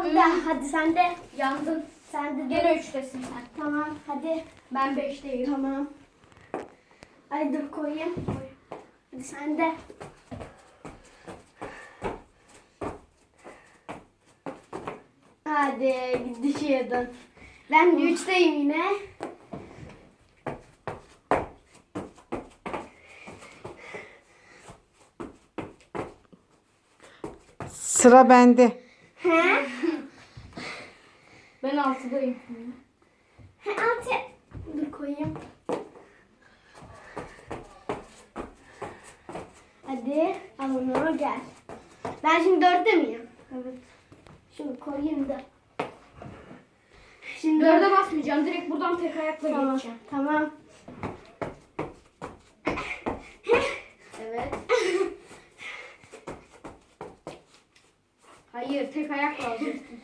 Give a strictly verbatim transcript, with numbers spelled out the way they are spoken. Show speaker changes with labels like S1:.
S1: de hadi sen de.
S2: Yandın.
S1: Sen de
S2: Gene üçtesin sen.
S1: Tamam hadi.
S2: Ben beşteyim.
S1: Tamam. Ay dur koyayım. Hadi sen de. Hadi düşüyordun. Ben de üçteyim yine.
S3: Sıra bende.
S1: He?
S2: Ben altıdayım.
S1: He altı. Dur koyayım. Hadi al onu gel. Ben şimdi dörtte miyim?
S2: Evet.
S1: Şunu koyayım da. Şimdi
S2: Dörde basmayacağım. Direkt buradan tek ayakla
S1: Tamam.
S2: geçeceğim.
S1: Tamam.
S2: Evet. Hayır, tek ayakla alacaksın.